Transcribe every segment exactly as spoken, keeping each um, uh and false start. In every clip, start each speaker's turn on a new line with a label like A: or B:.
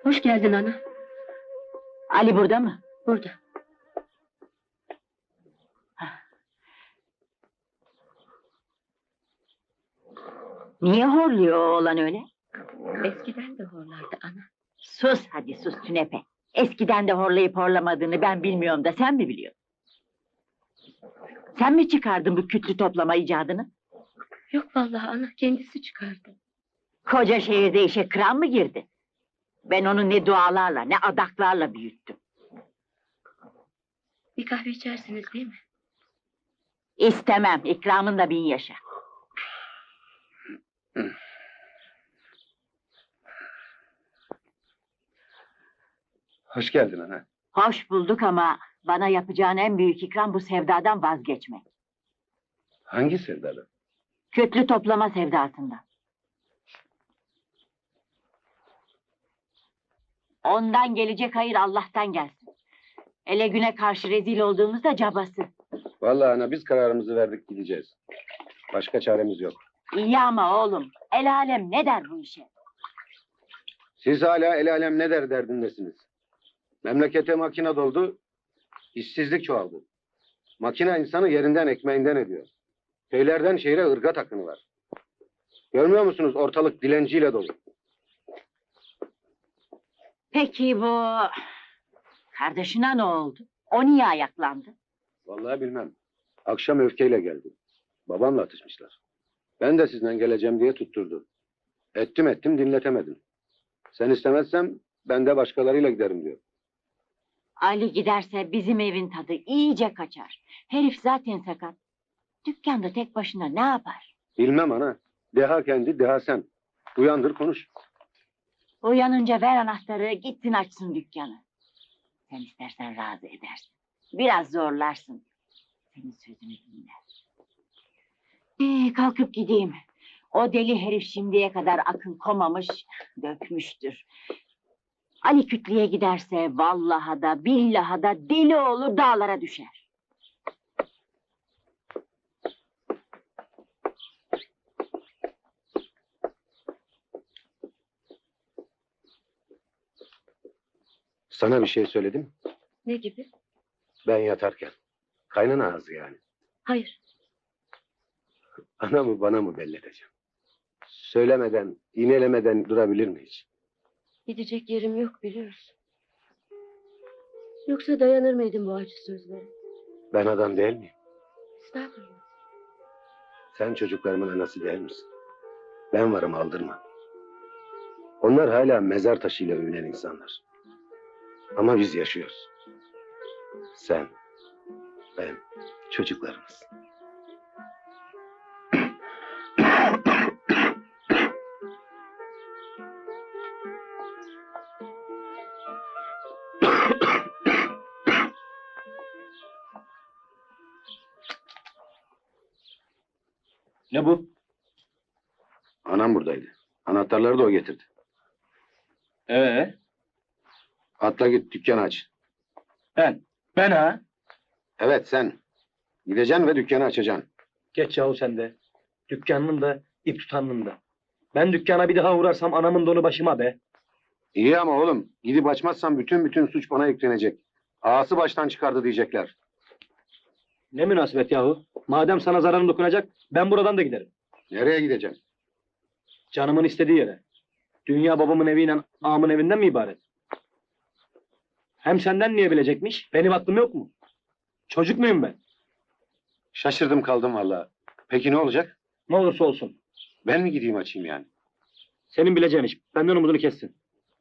A: Hoş geldin ana.
B: Ali burada mı?
A: Burada.
B: Niye horluyor o oğlan öyle?
A: Eskiden de horlardı ana.
B: Sus hadi sus Sünepe. Eskiden de horlayıp horlamadığını ben bilmiyorum da sen mi biliyorsun? Sen mi çıkardın bu kütlü toplama icadını?
A: Yok vallahi ana, kendisi çıkardı.
B: Koca şehirde işe kıran mı girdi? Ben onu ne dualarla ne adaklarla büyüttüm.
A: Bir kahve içersiniz değil mi?
B: İstemem, ikramınla bin yaşa.
C: Hoş geldin ana.
B: Hoş bulduk ama bana yapacağın en büyük ikram bu sevdadan vazgeçmek.
C: Hangi sevdalı?
B: Kütlü toplama sevdasından. Ondan gelecek hayır Allah'tan gelsin. Ele güne karşı rezil olduğumuzda cabası.
C: Vallahi ana biz kararımızı verdik gideceğiz. Başka çaremiz yok.
B: İyi ama oğlum, el alem ne der bu işe?
C: Siz hala el alem ne der derdindesiniz. Memlekete makine doldu, işsizlik çoğaldı. Makine insanı yerinden ekmeğinden ediyor. Köylerden şehre ırgat akını var. Görmüyor musunuz ortalık dilenciyle dolu.
B: Peki bu... Kardeşine ne oldu? O niye ayaklandı?
C: Vallahi bilmem. Akşam öfkeyle geldi. Babamla atışmışlar. Ben de sizden geleceğim diye tutturdu. Ettim ettim dinletemedim. Sen istemezsem ben de başkalarıyla giderim diyor.
B: Ali giderse bizim evin tadı iyice kaçar. Herif zaten sakat. Dükkanda tek başına ne yapar?
C: Bilmem ana. Deha kendi, deha sen. Uyandır konuş.
B: Uyanınca ver anahtarı, gitsin açsın dükkanı. Sen istersen razı edersin. Biraz zorlarsın. Senin sözünü dinler. Ee, kalkıp gideyim. O deli herif şimdiye kadar akıl komamış, dökmüştür. Ali kütleye giderse vallaha da billaha da deli olur dağlara düşer.
C: Sana bir şey söyledim.
A: Ne gibi?
C: Ben yatarken. Kaynana ağzı yani.
A: Hayır.
C: Ana mı bana mı belli edeceğim? Söylemeden, iğnelemeden durabilir mi hiç?
A: Gidecek yerim yok biliyorsun. Yoksa dayanır mıydın bu acı sözlere?
C: Ben adam değil miyim?
A: Estağfurullah.
C: Sen çocuklarımın anası değil misin? Ben varım aldırma. Onlar hala mezar taşıyla övünen insanlar. Ama biz yaşıyoruz. Sen, ben, çocuklarımız.
D: Ne bu?
C: Anam buradaydı. Anahtarları da o getirdi.
D: Ee,
C: Atla git dükkanı aç.
D: ben. Ben ha?
C: Evet sen. Gideceksin ve dükkanı açacaksın.
D: Geç yahu sen de. Dükkanının da, ip tutanının da. Ben dükkana bir daha uğrarsam anamın donu başıma be.
C: İyi ama oğlum gidip açmazsan bütün bütün suç bana yüklenecek. Ağası baştan çıkardı diyecekler.
D: Ne münasebet yahu. Madem sana zararım dokunacak, ben buradan da giderim.
C: Nereye gideceksin?
D: Canımın istediği yere. Dünya babamın eviyle ağamın evinden mi ibaret? Hem senden niye bilecekmiş? Benim aklım yok mu? Çocuk muyum ben?
C: Şaşırdım kaldım vallahi. Peki ne olacak?
D: Ne olursa olsun.
C: Ben mi gideyim açayım yani?
D: Senin bileceğin iş. Benden umudunu kessin.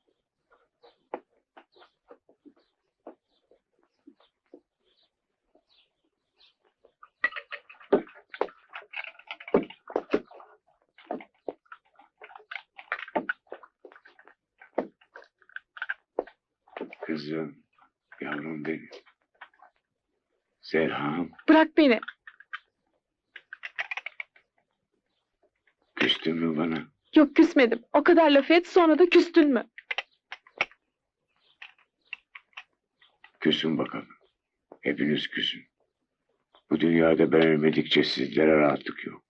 E: Kızım, yavrum benim. Serham,
F: Bırak beni.
E: küstün mü bana?
F: Yok küsmedim. O kadar laf et sonra da küstün mü?
E: Küsün bakalım. Hepiniz küsün. Bu dünyada ben ölmedikçe sizlere rahatlık yok.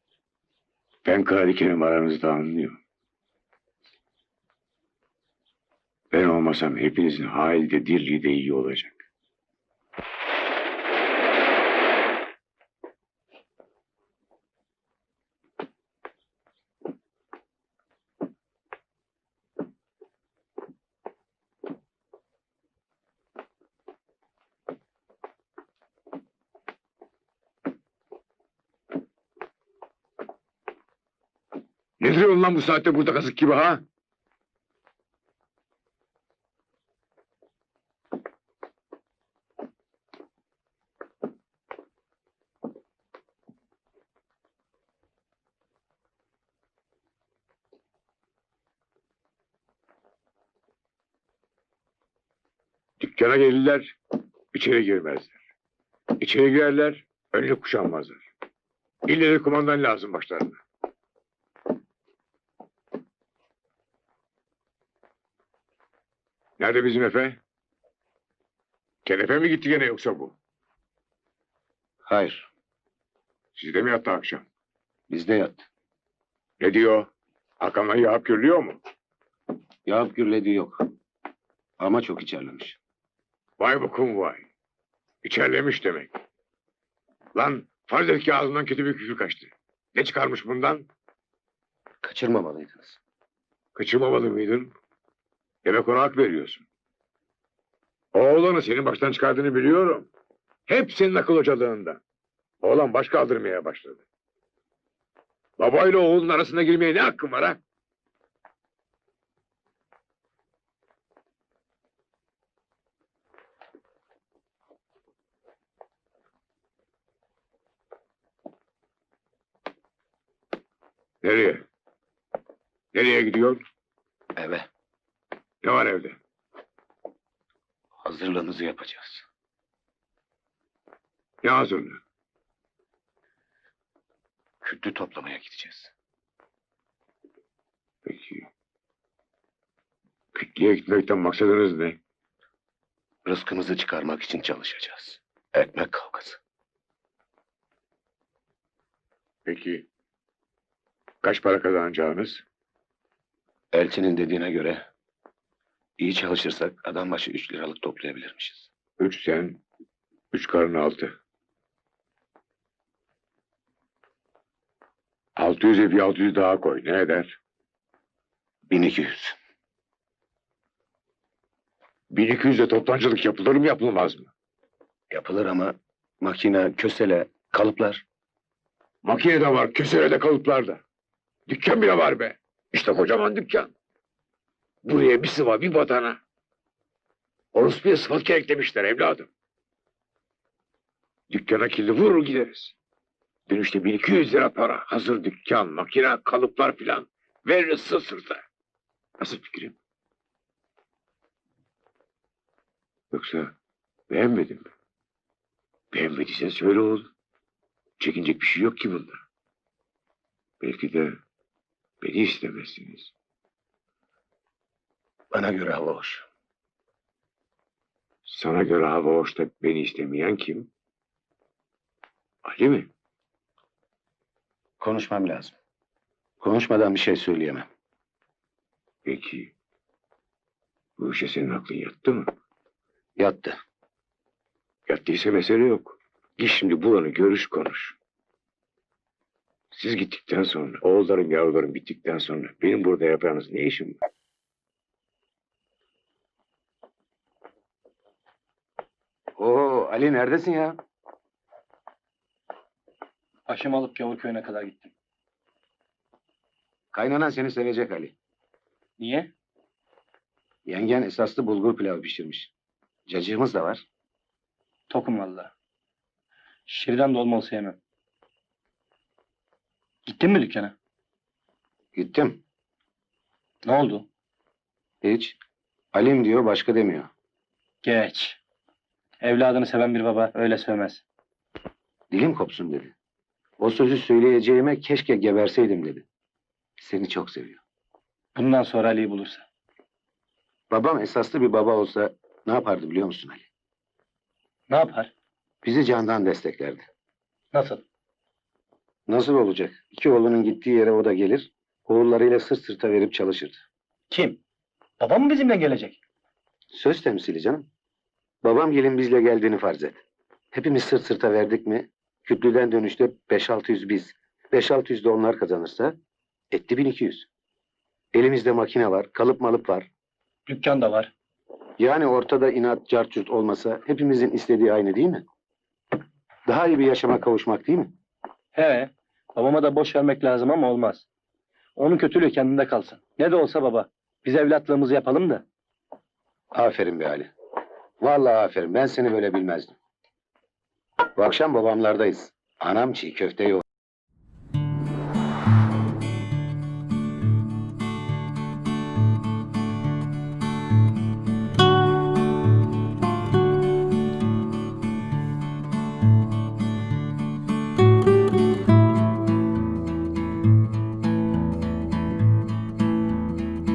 E: Ben Kadikenim aranızda anlıyorum. Ben olmasam hepinizin hali de dirliği de iyi olacak. Ne duruyorsun lan bu saatte burada kazık gibi ha? Dükkana gelirler, içeri girmezler. İçeri girerler, önünü kuşanmazlar. İlle de kumandan lazım başlarına. Nerede bizim Efe? Kenefe mi gitti gene yoksa bu?
C: Hayır.
E: Sizde mi yattı akşam?
C: Bizde yattı.
E: Ne diyor? Hakan'la yağıp gürlüyor mu?
C: Yağıp gürlediği yok. Ama çok içerlemiş.
E: Vay bokum vay. İçerlemiş demek. Lan farz et ki ağzından kötü bir küfür kaçtı. Ne çıkarmış bundan?
C: Kaçırmamalıydınız.
E: Kaçırmamalı mıydın? Demek ona hak veriyorsun. Oğlanı senin baştan çıkardığını biliyorum. Hep senin akıl hocalığında. Oğlan baş kaldırmaya başladı. Babayla oğlun arasına girmeye ne hakkın var ha? Nereye? Nereye gidiyor?
C: Eve.
E: Ne var evde?
C: Hazırlığımızı yapacağız.
E: Ne hazırlığı?
C: Kütlü toplamaya gideceğiz.
E: Peki. Kütleye gitmekten maksadınız ne?
C: Rızkımızı çıkarmak için çalışacağız. Ekmek kavgası.
E: Peki. Kaç para kazanacağınız?
C: Elçinin dediğine göre iyi çalışırsak adam başı üç liralık toplayabilirmişiz.
E: Üç sen, üç karın altı. Altı yüze bir altı yüz daha koy. Ne eder?
C: Bin iki yüz.
E: Bin iki yüzle toptancılık yapılır mı yapılmaz mı?
C: Yapılır ama makine, kösele, kalıplar.
E: Makine de var, kesere de kalıplar da. Dükkan bile var be. İşte kocaman dükkan. Buraya bir sıva, bir badana. Orospu'ya sıfat eklemişler evladım. Dükkana kilidi vurur gideriz. Dönüşte bin iki yüz lira para. Hazır dükkan, makine, kalıplar filan. Veririz sırt sırta. Nasıl fikrim? Yoksa beğenmedin mi? Beğenmediysen söyle oğlum. Çekinecek bir şey yok ki bunda. Belki de beni istemezsiniz.
C: Bana göre hava hoş.
E: Sana göre hava hoş da beni istemeyen kim? Ali mi?
C: Konuşmam lazım. Konuşmadan bir şey söyleyemem.
E: Peki. Bu işe senin aklın yattı mı?
C: Yattı.
E: Yattıysa mesele yok. Git şimdi bulanı görüş konuş. Siz gittikten sonra, oğullarım yavrularım bittikten sonra benim burada yapacağınız ne işim var?
C: Oo Ali neredesin ya?
D: Haşim alıp Gavur köyüne kadar gittim.
C: Kaynanan seni sevecek Ali.
D: Niye?
C: Yengen esaslı bulgur pilavı pişirmiş. Cacığımız da var.
D: Tokum valla. Şirden dolmalı sevmem. Gittin mi dükkana?
C: Gittim.
D: Ne oldu?
C: Hiç. Alim diyor başka demiyor.
D: Geç. Evladını seven bir baba öyle sevmez.
C: Dilim kopsun dedi. O sözü söyleyeceğime keşke geberseydim dedi. Seni çok seviyor.
D: Bundan sonra Ali'yi bulursa.
C: Babam esaslı bir baba olsa ne yapardı biliyor musun Ali?
D: Ne yapar?
C: Bizi candan desteklerdi.
D: Nasıl?
C: Nasıl olacak? İki oğlunun gittiği yere o da gelir, oğullarıyla sırt sırta verip çalışırdı.
D: Kim? Babam mı bizimle gelecek?
C: Söz temsili canım. Babam gelin bizle geldiğini farz et. Hepimiz sırt sırta verdik mi? Kütlüden dönüşte beş altı yüz biz. beş altı yüz de onlar kazanırsa etti bin iki yüz. Elimizde makine var, kalıp malıp var.
D: Dükkan da var.
C: Yani ortada inat, cartçurt olmasa hepimizin istediği aynı değil mi? Daha iyi bir yaşama kavuşmak değil mi?
D: He, babama da boş vermek lazım ama olmaz. Onun kötülüğü kendinde kalsın. Ne de olsa baba. Biz evlatlığımızı yapalım da.
C: Aferin be Ali. Vallahi aferin. Ben seni böyle bilmezdim. Bu akşam babamlardayız. Anam çiğ köfte yok.